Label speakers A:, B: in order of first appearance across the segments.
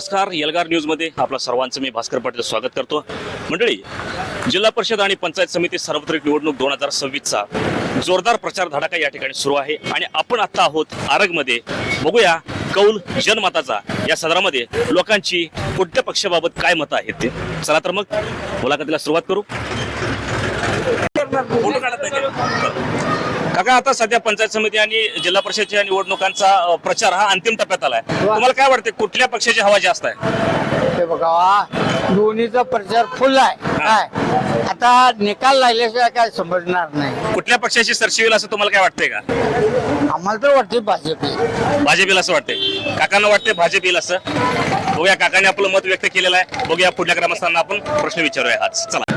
A: नमस्कार, एल्गार न्यूजमध्ये आपल्या सर्वांचं मी भास्कर पाटील स्वागत करतो. मंडळी, जिल्हा परिषद आणि पंचायत समिती सार्वत्रिक निवडणूक 2026चा जोरदार प्रचार धडाका या ठिकाणी सुरू आहे आणि आपण आता आहोत आरगमध्ये. बघूया कौल जनमताचा या सदरामध्ये लोकांची कोणत्या पक्षाबाबत काय मतं आहेत ते. चला तर मग मुलाखतीला सुरुवात करू. काका, आता सध्या पंचायत समिती आणि जिल्हा परिषदेच्या निवडणुकांचा प्रचार हा अंतिम टप्प्यात आलाय. तुम्हाला काय वाटते, कुठल्या पक्षाची हवा जास्त आहे?
B: ते बघा, दोन्हीचा प्रचार फुल आहे. काय आता निकाल लागल्याशिवाय काय समजणार नाही.
A: कुठल्या पक्षाची सरशी होईल असं तुम्हाला काय वाटतंय का?
B: आम्हाला तर वाटते भाजप.
A: भाजप येईल असं वाटतंय. काकांना वाटते भाजप येईल असं. बघूया, काकाने आपलं मत व्यक्त केलेलं आहे. बघूया पुढल्या ग्रामस्थांना आपण प्रश्न विचारूया आज. चला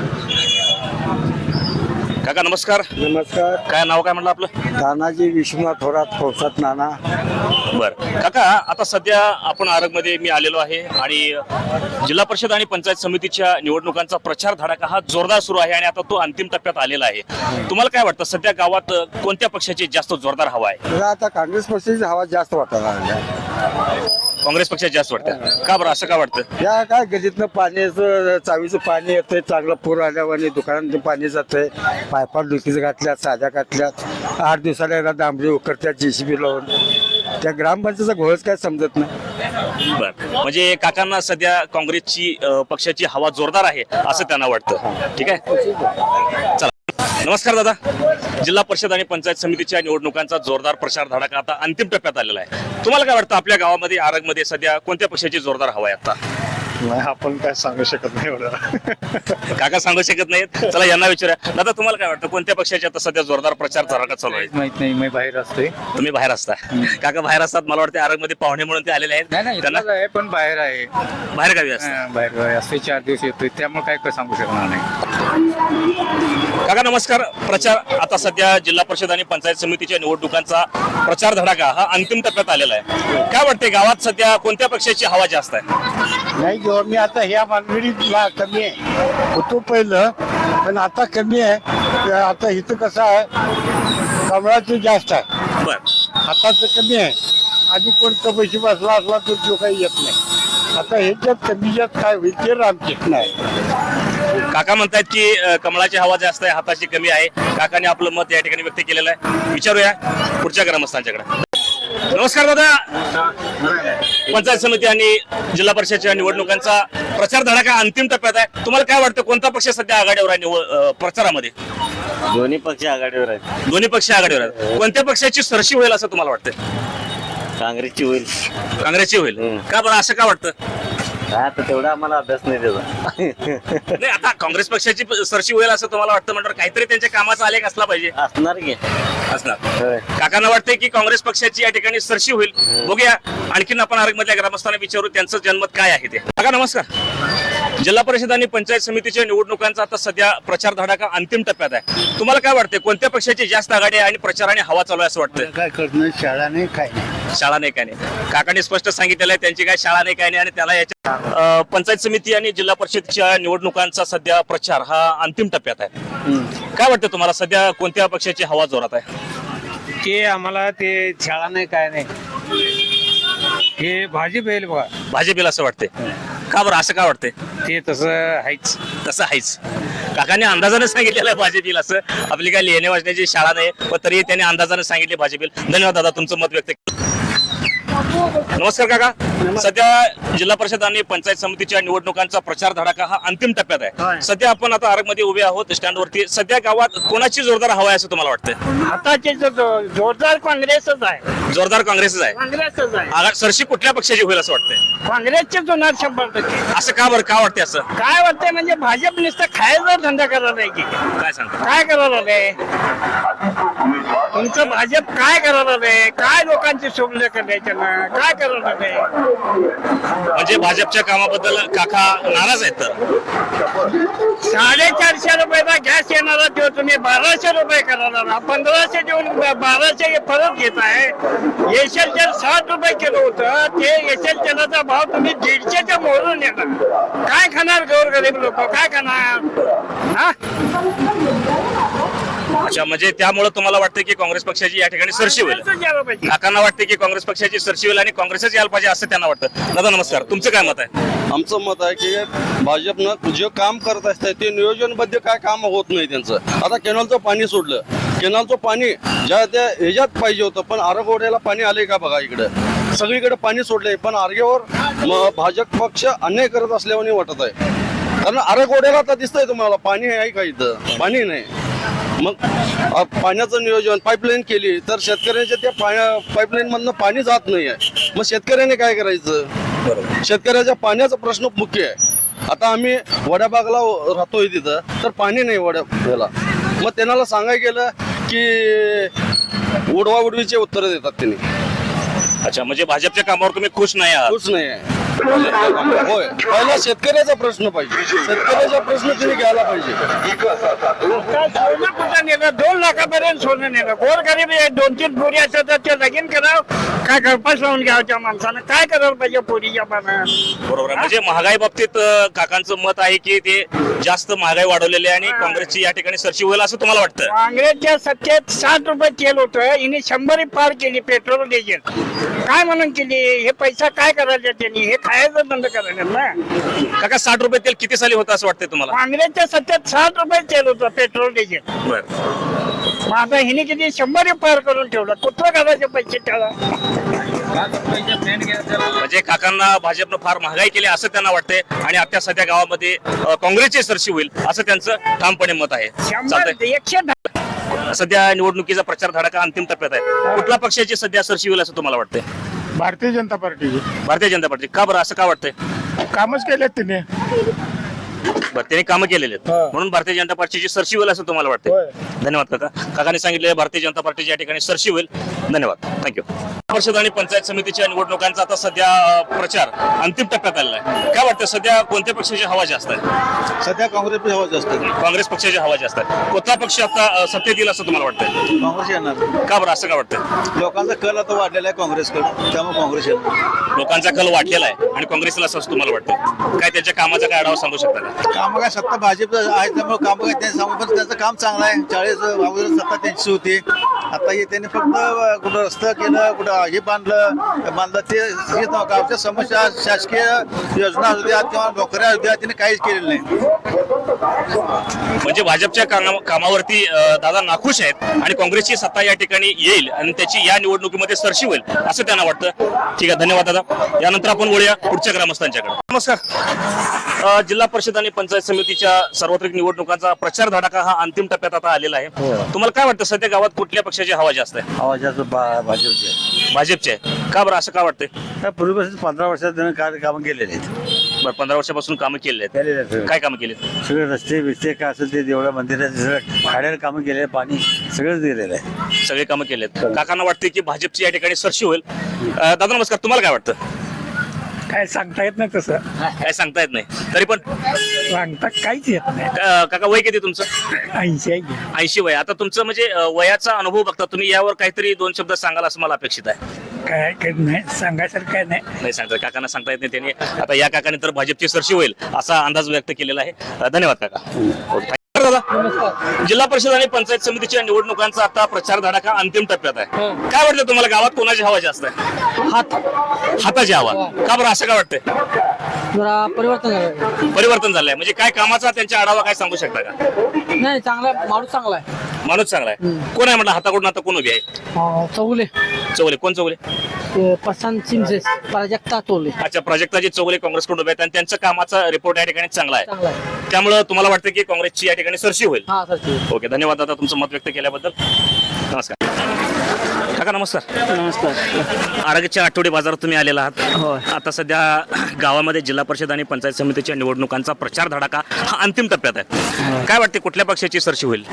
A: काका, नमस्कार.
C: नमस्कार.
A: काय नाव काय म्हणलं आपलं?
C: तानाजी विश्वनाथ थोरात, कौसात नाना.
A: बर काका, आता सध्या आपण आरगमध्ये मी आलेलो आहे आणि जिल्हा परिषद आणि पंचायत समितीच्या निवडणुकांचा प्रचार धडाका हा जोरदार सुरू आहे आणि आता तो अंतिम टप्प्यात आलेला आहे. तुम्हाला काय वाटतं, सध्या गावात कोणत्या पक्षाची जास्त जोरदार हवा आहे?
C: मला आता काँग्रेस पक्षाची हवा जास्त वाटायला लागल्या.
A: काँग्रेस पक्षाची जास्त वाटतं का बरं, असं का वाटतं?
C: या काय गल्लीतनं पाण्याचं, चावीचं पाणी येतंय, चांगलं पूर आल्यावर दुकानात पाणी जातंय, पायपा डुकीचं घातल्यात, साध्या घातल्यात, 8 दिवसाला एकदा डांबरी उकरत्यात JCB लावून. त्या ग्रामपंचायतीचा घोळच काय समजत नाही.
A: बर, म्हणजे काकांना सध्या काँग्रेसची पक्षाची हवा जोरदार आहे असं त्यांना वाटतं. ठीक आहे, चला. नमस्कार दादा. जिल्हा परिषद आणि पंचायत समितीच्या निवडणुकांचा जोरदार प्रचार धडाका आता अंतिम टप्प्यात आलेला आहे. तुम्हाला काय वाटतं, आपल्या गावामध्ये आरगमध्ये सध्या कोणत्या पक्षाची जोरदार हवा आहे आता?
D: आपण काय सांगू शकत नाही एवढं.
A: काका सांगू शकत नाहीत. चला यांना विचारूया. दादा, तुम्हाला काय वाटतं, कोणत्या पक्षाची आता सध्या जोरदार प्रचार धडाका चालू आहे?
D: माहित नाही, मी बाहेर असते.
A: तुम्ही बाहेर असता. काका बाहेर असतात, मला वाटतं आरगमध्ये पाहुणे म्हणून ते आलेले आहेत.
D: नाही
A: त्यांना
D: आहे, पण बाहेर आहे.
A: बाहेर गावी असतात.
D: बाहेर गावी असते, 4 दिवस येतोय, त्यामुळे काय सांगू शकणार नाही.
A: काका नमस्कार. प्रचार आता सध्या जिल्हा परिषद आणि पंचायत समितीच्या निवडणुकांचा प्रचार धडाका हा अंतिम टप्प्यात आलेला आहे. काय वाटते, गावात सध्या कोणत्या पक्षाची हवा जास्त आहे?
C: नाही, जेव्हा मी आता ह्या मानगडीला कमी आहे होतो पहिलं, पण आता कमी आहे. आता इथं कसं आहे, कमळाचं जास्त आहे,
A: बर,
C: हाताचं कमी आहे. आधी कोणतं पैसे बसला असला तर जो काही येत नाही. आता ह्याच्यात कमी जास्त काय होईल ते रामकृष्ण आहे.
A: काका म्हणतात की कमळाची हवा जास्त आहे, हाताची कमी आहे. काकाने आपलं मत या ठिकाणी व्यक्त केलेलं आहे. विचारूया पुढच्या ग्रामस्थांच्याकडे. नमस्कार दादा. पंचायत समिती आणि जिल्हा परिषदेच्या निवडणुकांचा प्रचार धडाका अंतिम टप्प्यात आहे. तुम्हाला काय वाटतं, कोणता पक्ष सध्या आघाडीवर आहे प्रचारामध्ये?
E: दोन्ही पक्ष आघाडीवर आहेत.
A: दोन्ही पक्ष आघाडीवर आहेत. कोणत्या पक्षाची सरशी होईल असं तुम्हाला वाटतं?
E: काँग्रेसची होईल.
A: काँग्रेसची होईल का बरं, असं का वाटतं?
E: काय आता तेवढा आम्हाला अभ्यास नाही त्याचा.
A: नाही, आता काँग्रेस पक्षाची सरशी होईल असं तुम्हाला वाटतं म्हणल्यावर काहीतरी त्यांच्या कामाचा आलेख असला पाहिजे.
E: असणार की
A: असणार.
E: होय.
A: काकांना वाटतंय की काँग्रेस पक्षाची या ठिकाणी सरशी होईल. बघूया, आणखीन आपण आरगमधल्या ग्रामस्थांना विचारू त्यांचं जनमत काय आहे ते. काका नमस्कार. जिल्हा परिषद आणि पंचायत समितीच्या निवडणुकांचा आता सध्या प्रचार धडाका अंतिम टप्प्यात आहे. तुम्हाला काय वाटतंय, कोणत्या पक्षाची जास्त आघाडी आहे आणि प्रचाराने हवा चालू आहे असं वाटतं?
C: काय करणं, शाळा नाही, काय नाही.
A: शाळा नाही, काय नाही. काकांनी स्पष्ट सांगितलेलं आहे त्यांची काय शाळा नाही, काय नाही. आणि त्याला याच्या पंचायत समिती आणि जिल्हा परिषदच्या निवडणुकांचा सध्या प्रचार हा अंतिम टप्प्यात आहे. काय वाटतं तुम्हाला, सध्या कोणत्या पक्षाची हवा जोरात आहे?
D: ते आम्हाला ते शाळा नाही, काय नाही. हे भाजप येईल बघा.
A: भाजप येईल असं वाटतंय का बरं, असं का वाटतंय?
D: ते तसं आहेच.
A: तसं आहेच. काकांनी अंदाजाने सांगितलेलं आहे भाजप येईल असं. आपली काय लिहिणे वाचण्याची शाळा नाही, पण तरी त्यांनी अंदाजाने सांगितले भाजप येईल. धन्यवाद दादा, तुमचं मत व्यक्त केलं. नमस्कार काका. सध्या जिल्हा परिषद आणि पंचायत समितीच्या निवडणुकांचा प्रचार धडाका हा अंतिम टप्प्यात आहे. सध्या आपण आता आरगमध्ये उभे आहोत स्टँडवरती. सध्या गावात कोणाची जोरदार हवा आहे असं तुम्हाला वाटतंय?
B: आताचे जोरदार काँग्रेसच आहे.
A: जोरदार काँग्रेसच आहे.
B: काँग्रेसच आहे.
A: सरशी कुठल्या पक्षाची होईल असं वाटतंय?
B: काँग्रेसचेच होणार 100%.
A: असं का बरं, का वाटते असं?
B: काय वाटतंय म्हणजे भाजप नुसतं खायचा धंदा करायला नाही की
A: काय सांगता?
B: काय करायला नाही. तुमचं भाजप काय करायला नाही, काय लोकांची सुविधा करायच्या ना, काय करायला नाही.
A: म्हणजे भाजपच्या कामाबद्दल काका नाराज आहेत. तर
B: 450 रुपयाचा गॅस येणारा तो तुम्ही 1200 रुपये करायला, 1500 देऊन 1200 परत घेताय. एशियल तेल 60 रुपये किलो होतं, ते एशियल तेलाचा भाव तुम्ही 150च्या मोडून येणार. काय खाणार गोरगरीब लोक, काय खाणार? हा,
A: अच्छा, म्हणजे त्यामुळे तुम्हाला वाटतं की काँग्रेस पक्षाची या ठिकाणी सरशी होईल.
B: काँग्रेसच यायला पाहिजे.
A: काकांना वाटते की काँग्रेस पक्षाची सरशी होईल आणि काँग्रेसच यायला पाहिजे असं त्यांना वाटतं. दादा नमस्कार, तुमचं काय मत आहे?
F: आमचं मत आहे की भाजपनं जे काम करत असतं ते नियोजनबद्ध काय काम होत नाही त्यांचं. आता केनॉलचं पाणी सोडलं, केनॉलचं पाणी ज्या त्या ह्याच्यात पाहिजे होतं, पण आरगोड्याला पाणी आले का बघा. इकडं सगळीकडे पाणी सोडले, पण आर्गेवर भाजप पक्ष अन्याय करत असल्याने वाटत आहे. कारण आरगोड्याला आता दिसतंय तुम्हाला पाणी आहे का, इथं पाणी नाही. मग पाण्याचं नियोजन पाईपलाईन केली तर शेतकऱ्यांच्या त्या पाईपलाईन मधनं पाणी जात नाही आहे. मग शेतकऱ्याने काय करायचं? शेतकऱ्याच्या पाण्याचा प्रश्न मुख्य आहे. आता आम्ही वड्याबागला राहतोय तिथं, तर पाणी नाही वड्याला. मग त्यांना सांगायला गेलं की उडवाउडवीचे उत्तरं देतात त्यांनी.
A: अच्छा, म्हणजे भाजपच्या कामावर तुम्ही खुश नाही आहात?
F: खुश नाही आहे. होय, पहिला शेतकऱ्याचा प्रश्न पाहिजे, शेतकऱ्याचा प्रश्न त्यांनी घ्यायला पाहिजे.
B: काय सोनं कुठं नेलं? 2 लाखापर्यंत सोनं नेलं. गोरगरीब 2-3 पोरी असतात तर ते लगीन करावं काय गळपास लावून घ्यावं त्या माणसानं. काय करायला पाहिजे पोरीच्या पानं?
A: बरोबर आहे. म्हणजे महागाई बाबतीत काकांचं मत आहे की ते जास्त महागाई वाढवलेली आहे आणि काँग्रेसची या ठिकाणी सरशी होईल असं तुम्हाला वाटतं?
B: काँग्रेसच्या सत्तेत 60 रुपये तेल होतं, हिने 100 पार केली पेट्रोल डिझेल. काय म्हणून केली? हे पैसा काय करायचा त्यांनी? हे खायचं बंद करायचं ना.
A: काका 60 रुपये तेल किती साली होतं असं वाटतंय तुम्हाला?
B: काँग्रेसच्या सत्तेत 60 रुपये तेल होतं पेट्रोल डिझेल.
A: बरं.
B: मग आता हिने किती 100 पार करून ठेवलं. कुठं करायचे पैसे त्याला?
A: म्हणजे काकांना भाजपनं फार महागाई केली असं त्यांना वाटतंय आणि आता सध्या गावामध्ये काँग्रेसची सरशी होईल असं त्यांचं ठामपणे मत आहे.
B: 100
A: चालतंय.
B: 110.
A: सध्या निवडणुकीचा प्रचार धडाका अंतिम टप्प्यात आहे. कुठल्या पक्षाची सध्या सरशी होईल असं तुम्हाला वाटतंय?
G: भारतीय जनता पार्टीची
A: भारतीय जनता पार्टी. का बरं असं का वाटतंय?
G: कामच केलेत तिने.
A: बरं, त्यांनी कामं केलेली आहेत म्हणून भारतीय जनता पार्टीची सरशी होईल असं तुम्हाला वाटतंय?
G: होय.
A: धन्यवाद काका. काकांनी सांगितले भारतीय जनता पार्टीची या ठिकाणी सरशी होईल. धन्यवाद, थँक्यू. परिषद आणि पंचायत समितीच्या निवडणुकांचा आता सध्या प्रचार अंतिम टप्प्यात आलेला आहे. काय वाटतं सध्या कोणत्या पक्षाची हवा जास्त आहे?
F: सध्या काँग्रेस हवा जास्त आहे.
A: काँग्रेस पक्षाची हवा जास्त आहे. कोणता पक्ष आता सत्तेत येईल असं तुम्हाला वाटतंय?
F: काँग्रेस येणार.
A: का बरं असं का वाटतंय?
F: लोकांचा कल आता वाढलेला आहे काँग्रेसकडे, त्यामुळे काँग्रेस येणार.
A: लोकांचा कल वाढलेला आहे आणि काँग्रेसला असं तुम्हाला वाटतं? काय त्याच्या कामाचा काय आढावा सांगू शकता का?
F: काम काय सत्ता भाजप आहे त्यामुळे काम काय त्यांनी सांगू, पण त्यांचं काम चांगलं आहे. 40 अगोदर सत्ता त्यांची होती. आता हे त्यांनी फक्त कुठं रस्ता केलं, कुठं हे बांधलं ते हेच नव्हतं. गावच्या समस्या शासकीय योजना होत्या किंवा नोकऱ्या होत्या, त्यांनी काहीच केलेलं नाही.
A: म्हणजे भाजपच्या कामावरती दादा नाखुश आहेत आणि काँग्रेसची सत्ता या ठिकाणी येईल आणि त्याची या निवडणुकीमध्ये सरशी होईल असं त्यांना वाटतं. ठीक आहे, धन्यवाद दादा. यानंतर आपण बोलूया पुढच्या ग्रामस्थांच्याकडे. नमस्कार. जिल्हा परिषद आणि पंचायत समितीच्या सार्वत्रिक निवडणुकांचा प्रचार धडाका हा अंतिम टप्प्यात आता आलेला आहे. तुम्हाला काय वाटतं सध्या गावात कुठल्या पक्षाची हवा जास्त आहे?
C: आवाजाचं भाजपचे
A: भाजपची आहे. का बरं असं का वाटतंय?
C: पूर्वीपासून 15 वर्षात त्यानं कार्यक्रम केलेले आहेत.
A: बरं, 15 वर्षापासून कामं केली
C: केलेले
A: आहेत.
C: आहेत.
A: काय कामं केली?
C: सगळे रस्ते बिस्ते काय असेल ते देवळा मंदिरात सगळं खाड्याला कामं केले, पाणी सगळंच दिलेलं आहे.
A: सगळे कामं केली आहेत. काकांना वाटते की भाजपची या ठिकाणी सरशी होईल. दादा नमस्कार, तुम्हाला काय वाटतं?
B: काय सांगता येत नाही तसं.
A: काय सांगता येत नाही, तरी पण
B: सांगता काहीच येत नाही.
A: काका वय किती तुमचं?
B: 80
A: 80 वय. आता तुमचं म्हणजे वयाचा अनुभव बघता तुम्ही, यावर काहीतरी 2 शब्द सांगाल असं मला अपेक्षित आहे.
B: काय नाही सांगायसारखं काय नाही.
A: नाही सांगता, काकांना सांगता येत नाही. त्यांनी आता या काकाने तर भाजपची सरशी होईल असा अंदाज व्यक्त केलेला आहे. धन्यवाद काका. दादा, जिल्हा परिषद आणि पंचायत समितीच्या निवडणुकांचा आता प्रचार धडाका अंतिम टप्प्यात आहे. काय वाटतं तुम्हाला गावात कोणाची हवा जास्त आहे? हाताची हवा. का बरं असं काय वाटतंय?
H: जरा परिवर्तन झालं.
A: परिवर्तन झालंय म्हणजे काय कामाचा त्यांच्या आढावा काय सांगू शकता का?
H: नाही चांगला माणूस चांगला आहे.
A: माणूस चांगला आहे. कोण आहे म्हटलं हाताकडून आता कोण उभी आहे?
H: चौगुले
A: चौगले. कोण चौगले?
H: प्रशांत चिंचे प्राजक्ता चौगुले.
A: अच्छा, प्राजक्ताजी चौगले काँग्रेसकडून उभे आहेत आणि त्यांचा कामाचा रिपोर्ट या ठिकाणी चांगला
H: चांगला
A: आहे.
H: आहे.
A: त्यामुळे तुम्हाला वाटतं की काँग्रेसची या ठिकाणी सरशी होईल?
H: हा सर.
A: ओके, धन्यवाद दादा तुमचं मत व्यक्त केल्याबद्दल. नमस्कार काका. नमस्कार.
H: नमस्कार.
A: आरोग्याच्या आठवडे बाजारात तुम्ही आलेला आहात.
H: होय.
A: आता सध्या गावामध्ये जिल्हा परिषद आणि पंचायत समितीच्या निवडणुकांचा प्रचार धडाका हा अंतिम टप्प्यात आहे. काय वाटते कुठल्या पक्षाची सरशी होईल?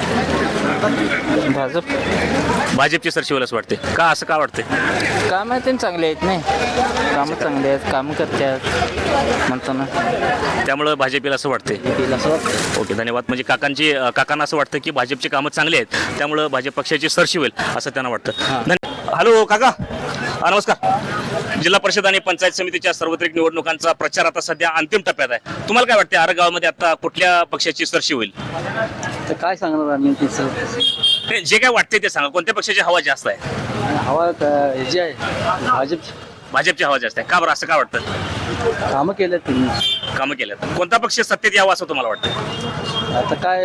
H: भाजप.
A: भाजपची सरशी होईल असं वाटते. का असं का वाटते?
H: काम आहे चांगले आहेत नाही. कामं चांगले आहेत, कामं करतात म्हणतो ना,
A: त्यामुळे भाजपला असं वाटते.
H: असं वाटतं.
A: ओके, धन्यवाद. म्हणजे काकांना असं वाटतं की भाजपची कामं चांगली आहेत त्यामुळे भाजप पक्षाची सरशी होईल असं त्यांना वाटतं. हॅलो काका, नमस्कार. जिल्हा परिषद आणि पंचायत समितीच्या सार्वत्रिक निवडणुकांचा प्रचार आता सध्या अंतिम टप्प्यात आहे. तुम्हाला काय वाटते आरगावामध्ये आता कुठल्या पक्षाची सरशी होईल?
E: तर काय सांगणार आम्ही तिचं
A: ते जे काय वाटते ते सांगा, कोणत्या पक्षाची हवा जास्त आहे?
E: हवा ह्याची आहे भाजपची.
A: भाजपची हवा जास्त आहे. का बरं असं का वाटतं?
E: कामं केले तुम्ही.
A: कामं केल्यात. कोणता पक्ष सत्तेत यावा असं तुम्हाला वाटतं?
E: आता काय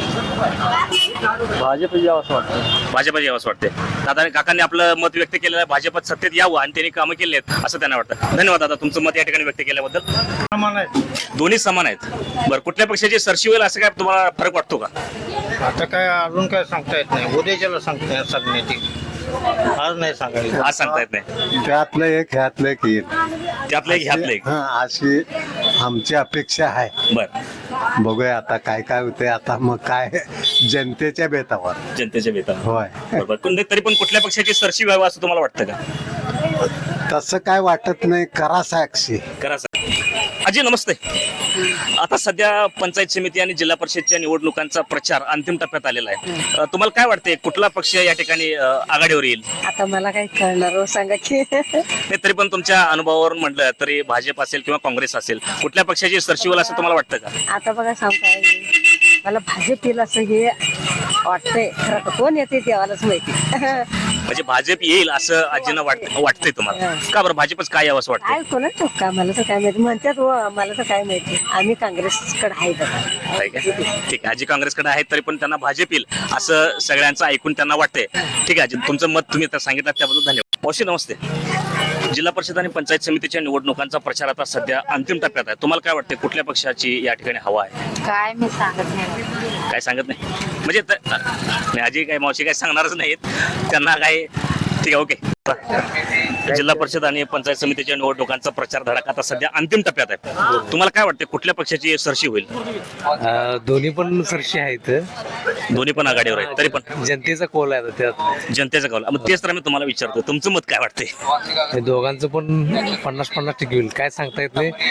E: भाजप यावं असं वाटतं.
A: भाजपची यावं असं वाटते. दादा काकांनी आपलं मत व्यक्त केलेलं आहे, भाजपात सत्तेत यावं आणि त्यांनी कामं केली आहेत असं त्यांना वाटतं. धन्यवाद दादा, तुमचं मत या ठिकाणी व्यक्त केल्याबद्दल. दोन्ही समान आहेत. बरं, कुठल्या पक्षाची सरशी होईल असं काय तुम्हाला फरक वाटतो का?
D: आता काय अजून काय सांगता येत नाही. उद्याच्याला सांगण्याची आज नाही सांगायचं.
A: आज सांगता येत नाही.
C: त्यातलं एक ह्यातलं एक येईल.
A: त्यातलं एक ह्यातलं एक.
C: अशी आमची अपेक्षा आहे.
A: बरं,
C: बघूया आता काय काय होते. आता मग काय जनतेच्या बेतावर.
A: जनतेच्या बेतावर.
C: होय.
A: बरोबर. पण तरी पण कुठल्या पक्षाची सरशी व्हावं असं तुम्हाला वाटतं का?
C: तसं काय वाटत नाही. करा साक्षी.
A: करा सर. अजी नमस्ते. आता सध्या पंचायत समिती आणि जिल्हा परिषदच्या निवडणुकांचा प्रचार अंतिम टप्प्यात आलेला आहे. तुम्हाला काय वाटते कुठला पक्ष या ठिकाणी आघाडीवर येईल?
I: आता मला काही कळणार हो, सांगा की.
A: नाही, तरी पण तुमच्या अनुभवावरून म्हटलं तरी भाजप असेल किंवा काँग्रेस असेल, कुठल्या पक्षाची सरशी होईल असं तुम्हाला वाटतं का?
I: आता बघा सांगताय मला भाजप येईल असं हे वाटतंय. खरं कोण येते देवालाच माहिती.
A: म्हणजे भाजप येईल असं आजींना वाटतंय तुम्हाला? का बरं भाजपच काय यावं असं वाटतं?
I: काय कोणाच का मला तर काय माहिती म्हणतात हो, मला तर काय माहिती. आम्ही काँग्रेसकडे आहे
A: आहे का? ठीक आहे, आजी काँग्रेसकडे आहेत तरी पण त्यांना भाजप येईल असं सगळ्यांचं ऐकून त्यांना वाटतंय. ठीक आहे आजी, तुमचं मत तुम्ही आता सांगितलं त्याबद्दल धन्यवाद. मावशी नमस्ते. जिल्हा परिषद आणि पंचायत समितीच्या निवडणुकांचा प्रचार आता सध्या अंतिम टप्प्यात आहे. तुम्हाला काय वाटते कुठल्या पक्षाची या ठिकाणी हवा आहे?
I: काय मी सांगत नाही.
A: काय सांगत नाही म्हणजे नाही, आजी काय मावशी काय सांगणारच नाहीत त्यांना काय. ठीक आहे, ओके. जिल्हा परिषद आणि पंचायत समितीच्या निवडणुकांचा प्रचार धडाका आता सध्या अंतिम टप्प्यात आहे. तुम्हाला काय वाटते कुठल्या पक्षाची सरशी होईल?
D: दोन्ही पण सरशी आहेत.
A: दोन्ही पण आघाडीवर आहेत तरी पण
D: जनतेचा कोल आहे त्यात.
A: जनतेचा कौल. मग तेच तर मी तुम्हाला विचारतो, तुमचं मत काय वाटतंय?
D: दोघांचं पण 50-50 टक्के होईल. काय सांगता येत नाही.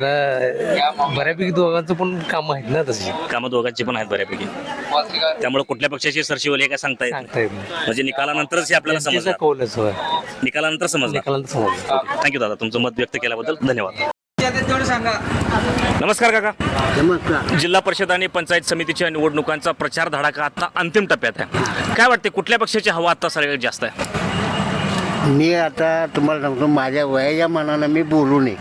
D: आता बऱ्यापैकी दोघांचं पण काम आहेत ना तशी.
A: कामं दोघांची पण आहेत बऱ्यापैकी. त्यामुळे कुठल्या पक्षाची सरशी होईल हे काय सांगता येत नाही.
D: सांगता येत नाही.
A: म्हणजे निकालानंतरच हे आपल्याला
D: जनतेचा
A: समजणार.
D: कौलच होय.
A: निकालानंतर समजणार.
D: निकालांत समजलं.
A: थँक्यू दादा, तुमचं मत व्यक्त केल्याबद्दल धन्यवाद. नमस्कार काका.
C: नमस्कार.
A: जिल्हा परिषद आणि पंचायत समितीच्या निवडणुकांचा प्रचार धडाका आता अंतिम टप्प्यात आहे. काय वाटते कुठल्या पक्षाची हवा आता सगळ्यात जास्त आहे?
C: मी आता तुम्हाला सांगतो, माझ्या वयाच्या मनानं मी बोलू नये.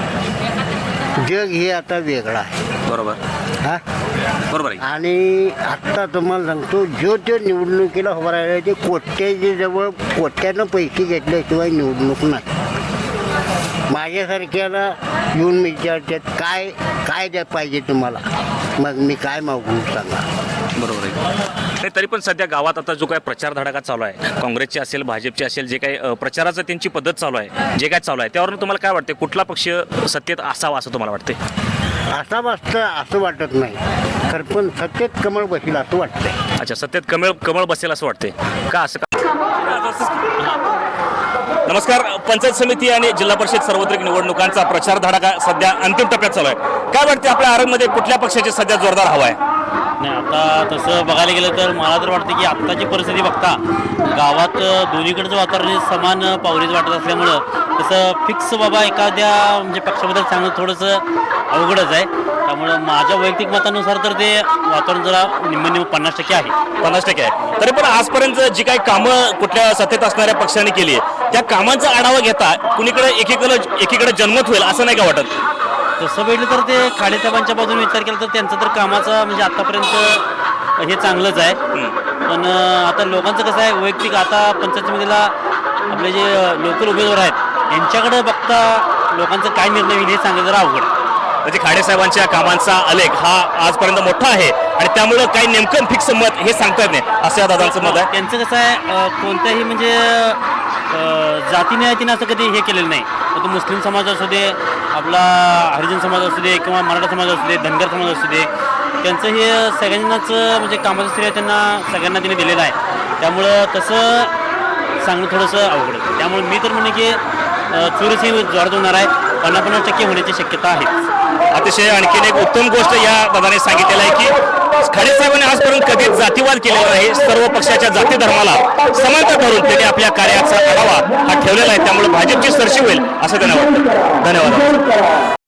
C: जग हे आता वेगळं आहे.
A: बरोबर.
C: हा,
A: बरोबर आहे.
C: आणि आत्ता तुम्हाला सांगतो, जो तो निवडणुकीला उभा राहिला ते कोट्याच्या जवळ कोट्यानं पैसे घेतल्याशिवाय निवडणूक नाही. माझ्यासारख्याला येऊन विचारतात काय काय द्या पाहिजे तुम्हाला, मग मी काय मागू सांगा.
A: बरोबर आहे. नाही, तरी पण सध्या गावात आता जो काय प्रचार धडाका चालू आहे, काँग्रेसचे असेल भाजपचे असेल, जे काही प्रचाराचं त्यांची पद्धत चालू आहे, जे काय चालू आहे त्यावरून तुम्हाला काय वाटते कुठला पक्ष सत्तेत असावा असं तुम्हाला वाटते?
C: असा वाटतं असं वाटत नाही, तर पण सत्तेत कमळ बसेल असं वाटतंय.
A: अच्छा, सत्तेत कमळ बसेल असं वाटते का? असं का? नमस्कार. पंचायत समिती आणि जिल्हा परिषद सार्वत्रिक निवडणुकांचा प्रचार धडाका सध्या अंतिम टप्प्यात चालू आहे. काय वाटते आपल्या आरंगमध्ये कुठल्या पक्षाची सध्या जोरदार हवा आहे?
J: नाही, आता तसं बघायला गेलं तर मला तर वाटतं की आत्ताची परिस्थिती बघता गावात दोन्हीकडचं वातावरण समान पावरीच वाटत असल्यामुळं तसं फिक्स बाबा एखाद्या म्हणजे पक्षाबद्दल सांगणं थोडंसं अवघडच आहे. त्यामुळं माझ्या वैयक्तिक मतानुसार तर ते वातावरण जरा निम्म 50% आहे.
A: 50% आहे. तरी पण आजपर्यंत जी काही कामं कुठल्या सत्तेत असणाऱ्या पक्षाने केली आहे त्या कामांचा आढावा घेता कुणीकडे एकीकडे जनमत होईल असं नाही का वाटत?
J: तसं बघितलं तर ते खाडेसाहेबांच्या बाजूने विचार केला तर त्यांचं तर कामाचं म्हणजे आतापर्यंत हे चांगलंच आहे. पण आता लोकांचं कसं आहे वैयक्तिक, आता पंचायत समितीला आपले जे लोकल उमेदवार आहेत यांच्याकडे बघता लोकांचं काय निर्णय होईल हे सांगायचं जरा अवघड.
A: म्हणजे खाडेसाहेबांच्या कामांचा आलेख हा आजपर्यंत मोठा आहे आणि त्यामुळं काही नेमकं फिक्स मत हे सांगता येत नाही असं या दादांचं मत आहे.
J: त्यांचं कसं आहे कोणत्याही म्हणजे जातीने असं कधी हे केलेलं नाही. तो मुस्लिम समाज असू दे, आपला हरिजन समाज असू दे किंवा मराठा समाज असू दे, धनगर समाज असू दे, त्यांचं हे सगळ्यांनाच म्हणजे कामाचं श्रेय त्यांना सगळ्यांना त्यांनी दिलेलं आहे. त्यामुळं तसं सांगणं थोडंसं अवघड आहे. त्यामुळे मी तर म्हणणे की चोरीस ही जोरात होणार आहे. 50% होण्याची शक्यता आहे.
A: अतिशय आणखीन एक उत्तम गोष्ट या दादाने सांगितलेलं आहे की खाडेसाहेबांनी आजपर्यंत कधीच जातीवाद केलेला नाही. सर्व पक्षाच्या जाती धर्माला समानता धरून त्यांनी आपल्या कार्याचा आढावा हा ठेवलेला आहे. त्यामुळे भाजपची सरशी होईल असं त्यांना वाटतं. धन्यवाद.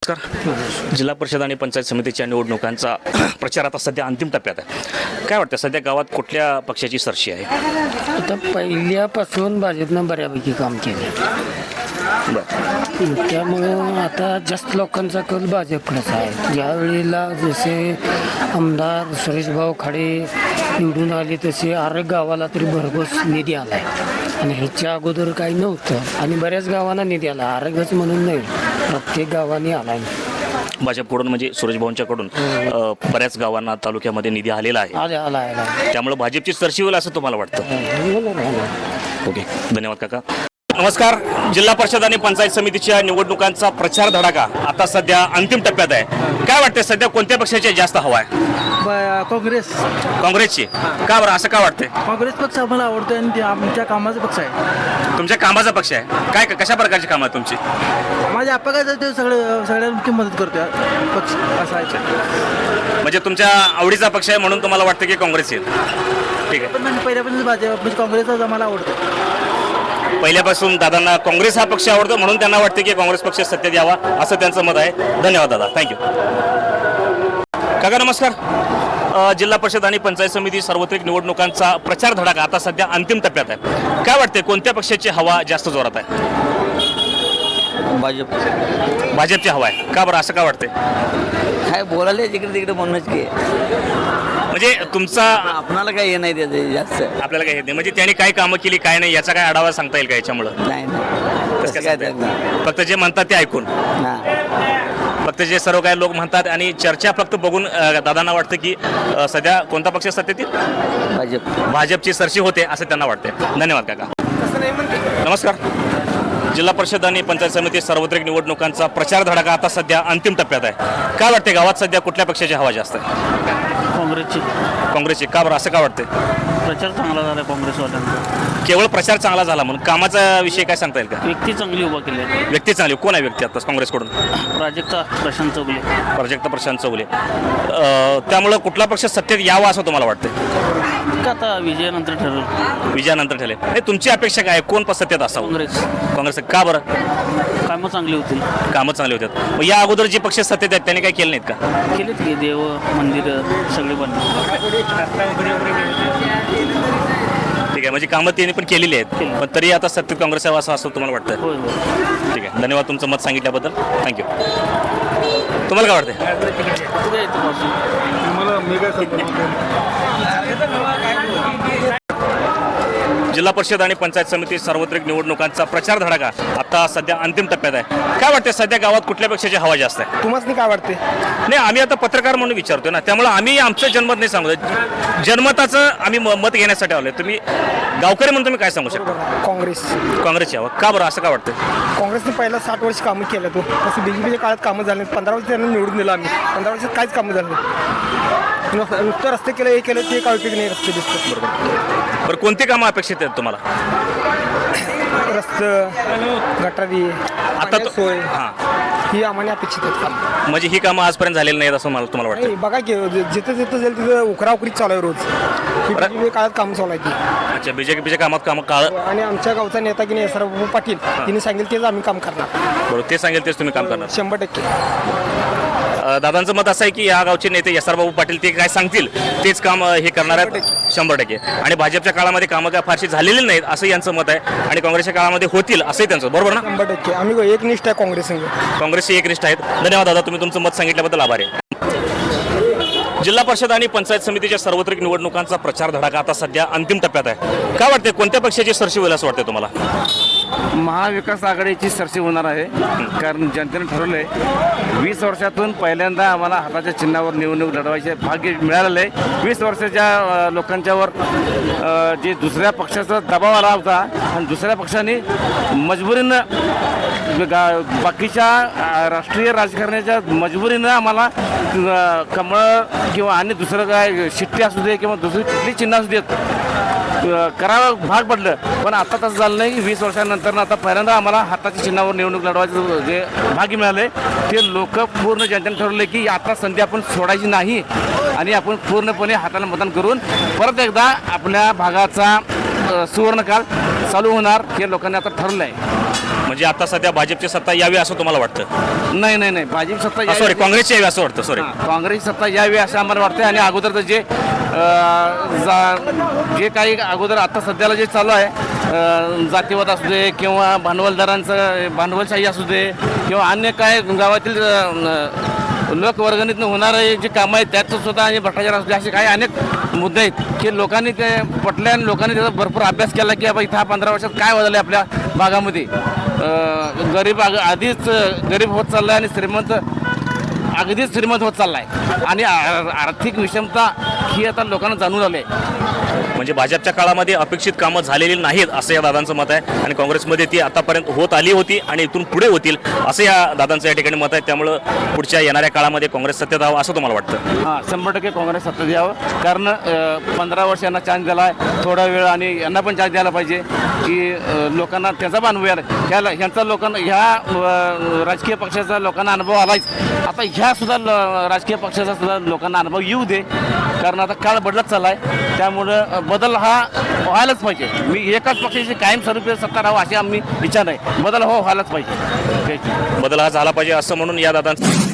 A: नमस्कार. जिल्हा परिषद आणि पंचायत समितीच्या निवडणुकांचा प्रचार आता सध्या अंतिम टप्प्यात आहे. काय वाटतं सध्या गावात कुठल्या पक्षाची सरशी आहे?
B: आता पहिल्यापासून भाजपनं बऱ्यापैकी काम केलं, त्यामुळं आता जास्त लोकांचा कल भाजपकडेच आहे. ज्या वेळेला जसे आमदार सुरेशभाऊ खाडे निवडून आले तसे आरग गावाला तरी भरघोस निधी आला आहे आणि ह्याच्या अगोदर काही नव्हतं आणि बऱ्याच गावांना निधी आला. आरगच म्हणून नाही, प्रत्येक गावाने आला आहे.
A: भाजपकडून म्हणजे सुरेश भाऊंच्याकडून बऱ्याच गावांना तालुक्यामध्ये निधी आलेला आहे,
B: आला
A: त्यामुळे भाजपची सरशी होईल असं तुम्हाला वाटतं? ओके, धन्यवाद काका. नमस्कार. जिल्हा परिषद आणि पंचायत समितीच्या निवडणुकांचा प्रचार धडाका आता सध्या अंतिम टप्प्यात आहे. काय वाटतं सध्या कोणत्या पक्षाची जास्त हवा आहे?
B: काँग्रेस.
A: काँग्रेसची? का बरं, असं का वाटतंय?
B: काँग्रेस पक्ष आम्हाला आवडतो आणि आमच्या कामाचा पक्ष आहे.
A: तुमच्या कामाचा पक्ष आहे? काय कशा प्रकारची कामं आहेत तुमची?
B: माझ्या अपघात ते सगळ्यांची मदत करतोय पक्ष असा आहे.
A: म्हणजे तुमच्या आवडीचा पक्ष आहे म्हणून तुम्हाला वाटतं की काँग्रेस येईल? ठीक आहे.
B: पण पहिल्यापासून भाजप म्हणजे काँग्रेसच आम्हाला आवडतो.
A: पहिल्यापासून दादांना काँग्रेस हा पक्ष आवडतो म्हणून त्यांना वाटते की काँग्रेस पक्ष सत्तेत यावा असं त्यांचं मत आहे. धन्यवाद दादा, थँक्यू. काका नमस्कार. जिल्हा परिषद आणि पंचायत समिती सार्वत्रिक निवडणुकांचा प्रचार धडाका आता सध्या अंतिम टप्प्यात आहे. काय वाटते कोणत्या पक्षाची हवा जास्त जोरात आहे? भाजपची हवा आहे. का बरं, असं का वाटते?
E: काय बोलायला जिकडे तिकडे म्हणूनच की
A: म्हणजे तुमचा
E: आपणाला काही हे नाही त्याचं जास्त.
A: आपल्याला काय येत नाही म्हणजे त्यांनी काय कामं केली काय नाही याचा काय आढावा सांगता येईल का याच्यामुळं?
E: नाही
A: कसं काय सांगता येईल? फक्त जे म्हणतात ते ऐकून, फक्त जे सर्व काही लोक म्हणतात आणि चर्चा फक्त बघून दादांना वाटतं की सध्या कोणता पक्ष सत्तेत येईल? भाजपची सरशी होते असं त्यांना वाटते. धन्यवाद काका. नमस्कार. जिल्हा परिषद आणि पंचायत समिती सार्वत्रिक निवडणुकांचा प्रचार धडाका आता सध्या अंतिम टप्प्यात आहे. काय वाटते गावात सध्या कुठल्या पक्षाची हवा जास्त आहे? काँग्रेसची. का बरं, असं का वाटते?
J: प्रचार चांगला झाला काँग्रेसवाल्यांचा.
A: केवळ प्रचार चांगला झाला म्हणून कामाचा विषय काय सांगता येईल का?
J: व्यक्ती चांगली उभा केली आहे.
A: व्यक्ती चांगली. कोण आहे व्यक्ती आता काँग्रेसकडून?
J: प्राजक्ता
A: प्रशांत चौगुले. त्यामुळं कुठला पक्ष सत्तेत यावा असं तुम्हाला वाटतं?
J: आता विजयानंतर ठरवलं.
A: विजयानंतर ठरले. नाही, तुमची अपेक्षा काय? कोण सत्तेत असावं? काँग्रेस. का बरं?
J: कामं चांगली होतील.
A: कामं चांगली होतात. मग या अगोदर जे पक्ष सत्तेत आहेत त्यांनी काय केलं नाहीत का?
J: केलेत की देव मंदिर सगळे बनले.
A: ठीक आहे, म्हणजे कामं त्यांनी पण केलेली आहेत, पण तरी आता सत्तेत काँग्रेस यावं असं तुम्हाला वाटतं?
J: होय.
A: ठीक आहे, धन्यवाद तुमचं मत सांगितल्याबद्दल. थँक्यू. तुम्हाला काय वाटतं? जिल्हा परिषद आणि पंचायत समिती सार्वत्रिक निवडणुकांचा प्रचार धडाका आता सध्या अंतिम टप्प्यात आहे. काय वाटते सध्या गावात कुठल्या पक्षाची हवा जास्त आहे?
G: तुम्हाला काय वाटते?
A: नाही, आम्ही आता पत्रकार म्हणून विचारतोय ना, त्यामुळे आम्ही आमचं जनमत नाही सांगतो. जनमताचं आम्ही मत घेण्यासाठी आलोय. तुम्ही गावकरी म्हणून तुम्ही काय सांगू शकता? काँग्रेसची हवा. का बरं, असं का वाटतं?
G: काँग्रेसने पहिला 60 वर्ष कामं केलं. तो तसं बीजेपीच्या काळात कामं झाले. 15 वर्ष त्यांना निवडून दिलं आम्ही. 15 वर्षात काहीच कामं झालं नाही. नुसतं रस्ते केलं, हे केलं, ते काय उपयोग नाही. रस्ते दिसतं.
A: बरं, कोणती कामं अपेक्षित आहेत तुम्हाला?
G: रस्ते, गटारी,
A: आता
G: सोय
A: हां,
G: ही आम्हाला अपेक्षित आहेत कामं.
A: म्हणजे ही कामं आजपर्यंत झालेली नाहीत असं तुम्हाला वाटतं?
G: नाही, बघा की जिथं जिथं जाईल तिथं उकराउकरी चालू आहे रोज. ही बीजेपी काळात कामं चालू आहे ती.
A: अच्छा, बीजेपीच्या कामात कामं काळ.
G: आणि आमच्या गावचा नेता की नाही SR पाटील, तिने सांगेल तेच आम्ही काम करणार.
A: बरोबर, ते सांगेल तेच तुम्ही काम करणार.
G: 100%.
A: दादांचं मत असं आहे की या गावचे नेते SR बाबू पाटील ते काय सांगतील तेच काम हे करणार आहेत 100%. आणि भाजपच्या काळामध्ये कामं काय फारशी झालेली नाहीत असं यांचं मत आहे आणि काँग्रेसच्या काळामध्ये होतील असंही त्यांचं. बरोबर ना?
G: 100%. आम्ही एकनिष्ठ आहे काँग्रेस संघ.
A: काँग्रेसचे एकनिष्ठ आहेत. धन्यवाद दादा, तुम्ही तुमचं मत सांगितल्याबद्दल आभारी आहे. जिल्हा परिषद आणि पंचायत समितीच्या सार्वत्रिक निवडणुकांचा प्रचार धडाका आता सध्या अंतिम टप्प्यात आहे. काय वाटते कोणत्या पक्षाची सरशी होईल असं वाटतं तुम्हाला?
C: महाविकास आघाडीची सरशी होणार आहे. कारण जनतेने ठरवलंय 20 वर्षातून पहिल्यांदा आम्हाला हाताच्या चिन्हावर निवडणूक लढवायचे भाग्य मिळालेलं आहे. 20 वर्षाच्या लोकांच्यावर जे दुसऱ्या पक्षाचा दबाव आला होता आणि दुसऱ्या पक्षाने मजबुरीनं बाकीच्या राष्ट्रीय राजकारणाच्या मजबुरीनं आम्हाला कमळ किंवा आणि दुसरं काय शिट्टी असू दे किंवा दुसरी कुठली चिन्ह असू देत करावं भाग पडलं. पण आता तसं झालं नाही. 20 वर्षांनंतर आता पहिल्यांदा आम्हाला हाताच्या चिन्हावर निवडणूक लढवायचं जे भाग्य मिळाले ते लोक पूर्ण जनतेने ठरवले की आता संधी आपण सोडायची नाही आणि आपण पूर्णपणे हाताला मतदान करून परत एकदा आपल्या भागाचा सुवर्णकाळ
F: चालू होणार हे लोकांनी आता ठरलं आहे.
A: म्हणजे आता सध्या भाजपची सत्ता यावी असं तुम्हाला वाटतं?
F: नाही नाही नाही, भाजप सत्ता
A: सॉरी,
F: यावी-
A: काँग्रेसची यावी असं वाटतं. सॉरी,
F: काँग्रेस सत्ता यावी असं आम्हाला वाटतं. आणि अगोदरचं जे काही अगोदर आता सध्याला जे चालू आहे, जातीवाद असू दे किंवा भांडवलशाही असू दे किंवा अन्य काय गावातील लोकवर्गणीतून होणारे जे कामं आहेत त्यात सुद्धा आणि भ्रष्टाचार असू दे, असे काही अनेक मुद्दे आहेत की लोकांनी ते पटल्या आणि लोकांनी त्याचा भरपूर अभ्यास केला की बाबा इथं हा 15 वर्षात काय बदललं आहे आपल्या भागामध्ये. गरीब आधीच गरीब होत चालला आहे आणि श्रीमंत अगदीच श्रीमंत होत चालला आहे आणि आर्थिक विषमता ही आता लोकांना जाणून आली आहे.
A: म्हणजे भाजपच्या काळामध्ये अपेक्षित कामं झालेली नाहीत असं या दादांचं मत आहे आणि काँग्रेसमध्ये ती आतापर्यंत होत आली होती आणि इथून पुढे होतील असं या दादांचं या ठिकाणी मत आहे. त्यामुळं पुढच्या येणाऱ्या काळामध्ये काँग्रेस सत्तेत यावं असं तुम्हाला वाटतं?
F: हां, 100% काँग्रेस सत्तेत यावं. कारण 15 वर्ष यांना चान्स दिला आहे, थोडा वेळ आणि यांना पण चान्स द्यायला पाहिजे की लोकांना त्याचा पण अनुभव आला. ह्यांचा लोकांना ह्या राजकीय पक्षाचा लोकांना अनुभव आलाच. आता ह्या सुद्धा राजकीय पक्षाचा सुद्धा लोकांना अनुभव येऊ दे. कारण आता काळ बदलत चालला आहे, त्यामुळं बदल हा व्हायलाच पाहिजे. मी एकाच पक्षाची कायमस्वरूपी सत्ता राहावं अशी आम्ही इच्छा नाही. बदल व्हायलाच पाहिजे.
A: बदल हा झाला पाहिजे असं म्हणून या दादांचं